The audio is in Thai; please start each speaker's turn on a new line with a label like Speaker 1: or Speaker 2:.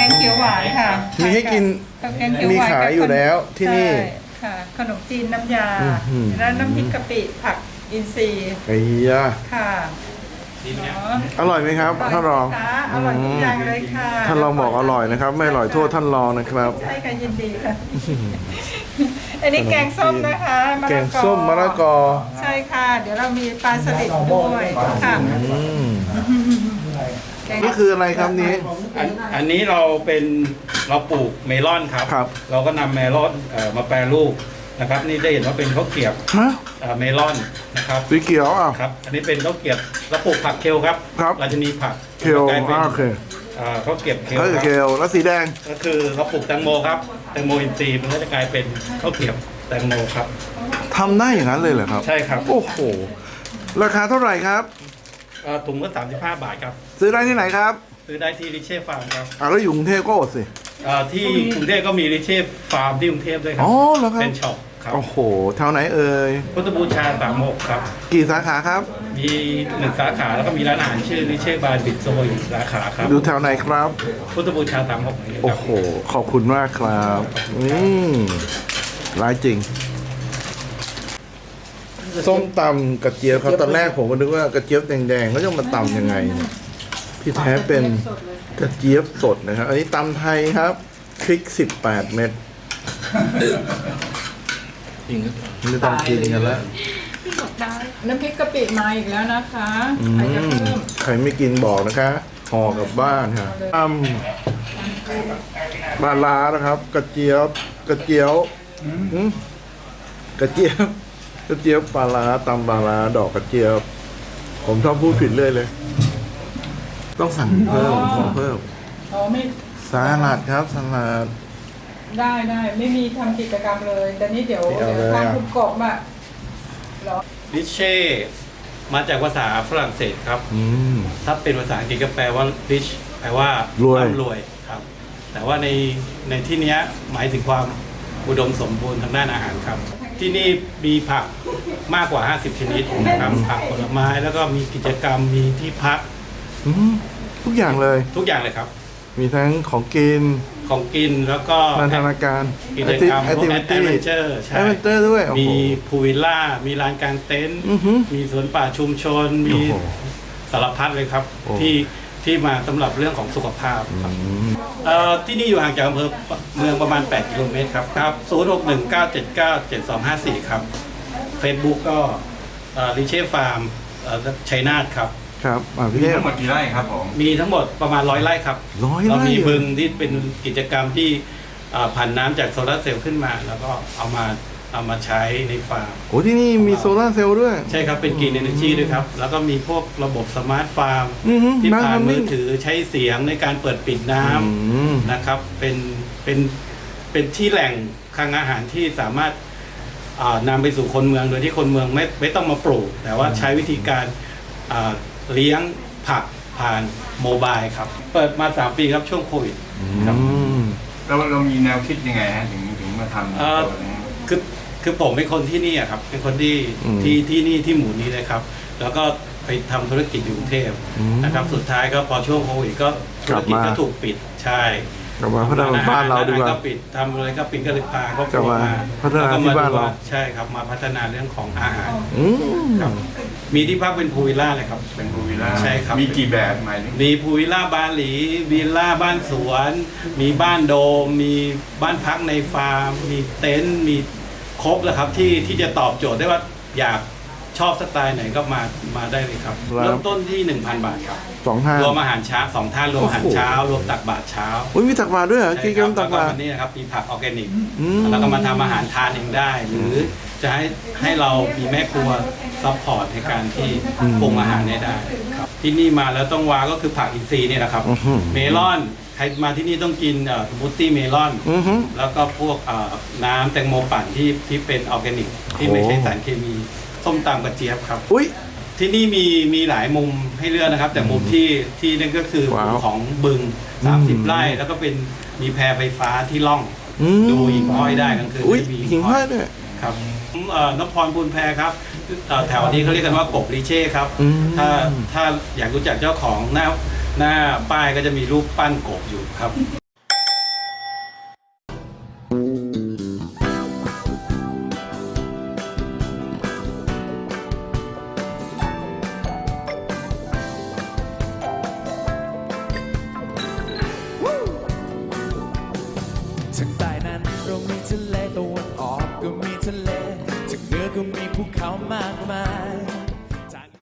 Speaker 1: งเขียวหวานค่ะ
Speaker 2: มีให้กิน
Speaker 1: กับแกงเขียวหวาน
Speaker 2: มีขายอยู่แล้วที่นี่
Speaker 1: ใช่ค่ะขนมจีนน้ำยา
Speaker 2: อื้อหือ
Speaker 1: แล้วน้ำพริกกะปิผักอินทรีย์
Speaker 2: ไอ้ยา
Speaker 1: ค่ะ
Speaker 2: อร่อยไหมครับท่านรอง
Speaker 1: ค่ะอร่อยทุกอย่างเลยค่ะ
Speaker 2: ท่านรองบอกอร่อยนะครับ ไม่อร่อยโทษท่านรองนะครับ
Speaker 1: ใช่ค่ะยินดีค่ะ อันนี้แกงส้มนะคะะละ
Speaker 2: แกงส้มมะละกอ
Speaker 1: ใช่ค่ะ เดี๋ยวเรามีปลาสลิดด้วยค่ะ
Speaker 2: อืม
Speaker 1: แกง
Speaker 2: นี่คืออะไรครับนี้
Speaker 3: อันนี้เราปลูกเมลอนครับ
Speaker 2: ครับ
Speaker 3: เราก็นำเมลอนมาแปรรูปนะครับ นี่ได้เห็นว่าเป็นข้าวเกรียบ
Speaker 2: ฮะ
Speaker 3: เมลอนนะครับ
Speaker 2: สีเขียวอ่ะ
Speaker 3: ครับ อันนี้เป็นข้าวเกรียบเราปลูกผักเคลครับ
Speaker 2: ครับ
Speaker 3: เราจะมีผัก
Speaker 2: เคล
Speaker 3: กลายเป็น
Speaker 2: โอเค
Speaker 3: ข้าวเกรียบเคล
Speaker 2: แล้ว
Speaker 3: ครับ
Speaker 2: เคลแล้วสีแดง
Speaker 3: ก็คือเราปลูกแตงโมครับแตงโมอินทรีย์มันก็จะกลายเป็นข้าวเกรียบแตงโมครับ
Speaker 2: ทำได้อย่างนั้นเลยเหรอครับ
Speaker 3: ใช่ครับ
Speaker 2: โอ้โห ราคาเท่าไหร่ครับ
Speaker 3: ถุงละ35 บาทครับ
Speaker 2: ซื้อได้ที่ไหนครับ
Speaker 3: ซื้อได้ที่ริเช่ฟาร์มครับ
Speaker 2: แล้วอยู่กรุงเทพก็อดสิ
Speaker 3: ที่กรุงเทพก็มีริเช่ฟาร์มที่กรุงเทพด้วยครั
Speaker 2: อ๋อเหรอครับ
Speaker 3: เป็นช็อปครับ
Speaker 2: โอ้โหแถวไหนเอ่ย
Speaker 3: พุทธบูชา36ครับ
Speaker 2: กี่สาขาครับ
Speaker 3: มี1 สาขาแล้วก็มีร้านอาหารชื่อริเช่บาร์บิดโซอีกสาขาครับ
Speaker 2: ดูแถวไหนครับ
Speaker 3: พุทธบูชา36นี่ค
Speaker 2: โอ้
Speaker 3: รับ
Speaker 2: โห ขอบคุณมากครับร้ายจริง ส้มตำกระเจี๊ยบครับตอนแรกผมก็นึกว่ากระเจี๊ยบแดงๆเขาจะมาตำยังไงเนี่ยที่แท้เป็นกระเจี๊ยบสดนะครับ อันนี้ตำไทยครับพริก18 เม็ดไม่ต้องกินกันแล้ว
Speaker 1: น้ำพริกกะปิมาอีกแล้วนะคะ
Speaker 2: อื
Speaker 1: ใครจะ
Speaker 2: ม
Speaker 1: เพิ่ม
Speaker 2: ใครไม่กินบอกนะคะห่อกลับบ้านค่ะตำปลาร้านะครับ กระเจี๊ยบกระเจี๊ยวอืมกระเจี๊ยบกระเจี๊ยบปลาร้าตำปลาร้าดอกกระเจี๊ยบ ผมชอบพูดผิดเลยเลย ต้องสั่งเพิ่มขอเพิ่ม
Speaker 1: อ๋อไม่
Speaker 2: สลัดครับสลัด
Speaker 1: ได้ไม่มีทำกิจกรรมเลย แต่นี่เดี๋ยว
Speaker 2: เอาเลย
Speaker 1: ทาง
Speaker 2: อ่ะ
Speaker 1: คุณกบอ่ะเหรอ
Speaker 3: ริเช่มาจากภาษาฝรั่งเศสครับ
Speaker 2: อืม
Speaker 3: ถ้าเป็นภาษาอังกฤษก็แปลว่า rich แปลว่าร
Speaker 2: วย
Speaker 3: ร่ำรวยครับ แต่ว่าในที่เนี้ยหมายถึงความอุดมสมบูรณ์ทางด้านอาหารครับ ที่นี่มีผักมากกว่า 50 ชนิดนะครับ ผักผลไม้แล้วก็มีกิจกรรมมีที่พัก
Speaker 2: อืมทุกอย่างเลย
Speaker 3: ทุกอย่างเลยครับ
Speaker 2: มีทั้งของกิน
Speaker 3: ของกินแล้วก็
Speaker 2: นันทนาการ
Speaker 3: กิจกรรม
Speaker 2: แอ
Speaker 3: พ
Speaker 2: คว
Speaker 3: ก
Speaker 2: ทิ
Speaker 3: แอ
Speaker 2: วิ
Speaker 3: ด
Speaker 2: ตี้
Speaker 3: เวนเจอร์
Speaker 2: แอดเวนเจอร์ด้วยโอ้โห
Speaker 3: มีพูลวิลล่า มีลานกลางเต็นท์
Speaker 2: อือหือ
Speaker 3: มีสวนป่าชุมชน มี
Speaker 2: โอ้โห
Speaker 3: สารพัดเลยครับ
Speaker 2: โอ้
Speaker 3: ที่มาสำหรับเรื่องของสุขภาพครับ
Speaker 2: อืม
Speaker 3: ที่นี่อยู่ห่างจากอำเภอเมืองประมาณ 8 กิโลเมตรครับครับ0619797254 ครับ Facebook ก็ริเช่ฟาร์มชัยนาทครับ
Speaker 2: ครับพี่
Speaker 4: มี
Speaker 2: เทพ
Speaker 4: ทั้งหมดกี่ไร่ครับผม
Speaker 3: มีทั้งหมดประมาณ100 ไร่ครับ
Speaker 2: 100
Speaker 3: เรา
Speaker 2: ไร่
Speaker 3: มี
Speaker 2: เหรอ
Speaker 3: บึงที่เป็นกิจกรรมที่ผ่านน้ำจากโซลาร์เซลล์ขึ้นมา แล้วก็เอามาใช้ในฟาร์ม
Speaker 2: โอ้ที่นี่มีโซลาร์เซลล์ด้วย
Speaker 3: ใช่ครับ เป็นกรีนเอเนจีด้วยครับ แล้วก็มีพวกระบบสมาร์ทฟาร์ม
Speaker 2: อือหือ
Speaker 3: ที่ผ่าน
Speaker 2: น้ำ
Speaker 3: มือถือใช้เสียงในการเปิดปิดน้ำ
Speaker 2: อืม
Speaker 3: นะครับเป็นที่แหล่งคลังอาหารที่สามารถนำไปสู่คนเมืองโดยที่คนเมืองไม่ต้องมาปลูก แต่ว่าใช้วิธีการเลี้ยงผักผ่านโมบายครับ เปิดมา 3 ปีครับช่วงโควิดครับ
Speaker 2: อืม
Speaker 4: เรามีแนวคิดยังไงฮะถึงมาทำตัวนี้
Speaker 3: คือผมเป็นคนที่นี่อะครับ เป็นคนที่นี่ที่หมู่นี้เลยครับ แล้วก็ไปทำธุรกิจอยู่กรุงเทพนะครับสุดท้ายก็พอช่วงโควิดก็ธุรกิจก็ถูกปิดใช่
Speaker 2: กลับมาพัฒนาบ้านเราดีกว่า
Speaker 3: ก็ปิดทำอะไรก็ปิดก็เลยพาครอบค
Speaker 2: กลั
Speaker 3: รั
Speaker 2: บ
Speaker 3: ว
Speaker 2: มา
Speaker 3: มา
Speaker 2: พัฒนาที่บ้านเรา
Speaker 3: ใช่ครับมาพัฒนาเรื่องของอาหาร
Speaker 2: อืม
Speaker 3: ครับมีที่พักเป็นพูลวิลล่าเลยครับ
Speaker 4: เป็นพูลวิลล่า
Speaker 3: ใช่ครับ
Speaker 4: มีกี่แบบหมายถึง
Speaker 3: มีพูลวิลล่าบาหลีวิลล่าบ้านสวน มีบ้านโดม มีบ้านพักในฟาร์ม มีเต็นท์มีครบแล้วครับที่จะตอบโจทย์ได้ว่าอยากชอบสไตล์ไหนก็มาได้เลยครับ
Speaker 2: ครับ
Speaker 3: เริ่มต้นที่ 1,000 บาทครับ
Speaker 2: 2 ท่าน
Speaker 3: รวมอาหารเช้า2 ท่านรวมอาหารเช้ารวมตักบาตรเช้า
Speaker 2: อุ้ยมีตักบาตรด้วยเหรอกินกันตักบาตร
Speaker 3: แล้ววันนี้นะครับมีผักออร์แกนิก
Speaker 2: อืม
Speaker 3: แล้วก็มาทำอาหารทานเองได้ หรือจะให้เรามีแม่ครัวซัพพอร์ตในการที่ปรุงอาหารให้ได้ครับที่นี่มาแล้วต้องว้าก็คือผักอินทรีย์เนี่ยนะครับ
Speaker 2: อื้อหือ
Speaker 3: เมลอนใครมาที่นี่ต้องกินสมูทตี้เมลอน
Speaker 2: อือหือ
Speaker 3: แล้วก็พวกน้ำแตงโมปั่นที่เป็นออร์แกนิก ที่ไม่ใช้สารเคมีส้มตำกระเจี๊ยบครับ
Speaker 2: อุ้ย
Speaker 3: ที่นี่มีหลายมุมให้เลือกนะครับ แต่มุมที่นั่นก็คือมุ
Speaker 2: ว้าม ว
Speaker 3: ของบึง 30 ไร่ แล้วก็เป็นมีแพไฟฟ้าที่ล่อง
Speaker 2: อืม
Speaker 3: ดูหิ่งห้อยได้กลางคืน
Speaker 2: อุ้ย
Speaker 3: จะมี
Speaker 2: หิ่งห้อยด้วย
Speaker 3: ครับผมนพพรบุญแพรครับแถวนี้เขาเรียกกันว่ากบริเช่ครับ
Speaker 2: อืม
Speaker 3: ถ้าอยากรู้จักเจ้าของหน้าป้ายก็จะมีรูปปั้นกบอยู่ครับ
Speaker 5: ทางใต้นั้นเรามีทะเลตะวันออกก็มีทะเลทางเหนือก็มีภูเขามากมาย